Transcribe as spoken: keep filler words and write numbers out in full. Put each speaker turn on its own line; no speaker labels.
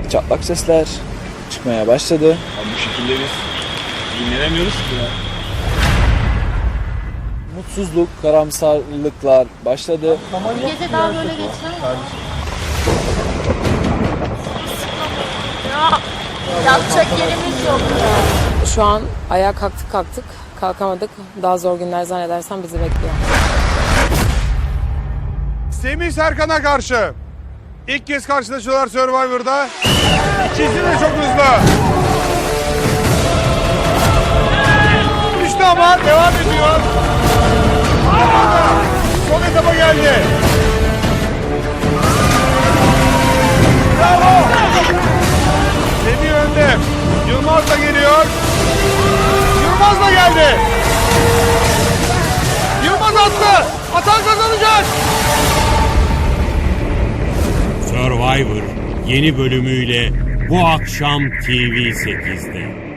çatlak sesler çıkmaya başladı.
Abi bu şekilde biz dinlenemiyoruz ki ya.
Mutsuzluk, karamsarlıklar başladı.
Gece daha böyle geçiyor. Yapacak yerimiz yok ya.
Şu an ayağa kalktık kalktık. Kalkamadık. Daha zor günler zannedersem bizi bekliyor.
Semih Serkan'a karşı ilk kez karşılaşıyorlar Survivor'da. İkisi de çok hızlı. Düştü ama devam ediyor. Son etapa geldi. Bravo. Semih önde. Yılmaz da geliyor. Yılmaz da geldi. Yılmaz attı. Atan kazanacak.
Survivor yeni bölümüyle bu akşam T V sekizde.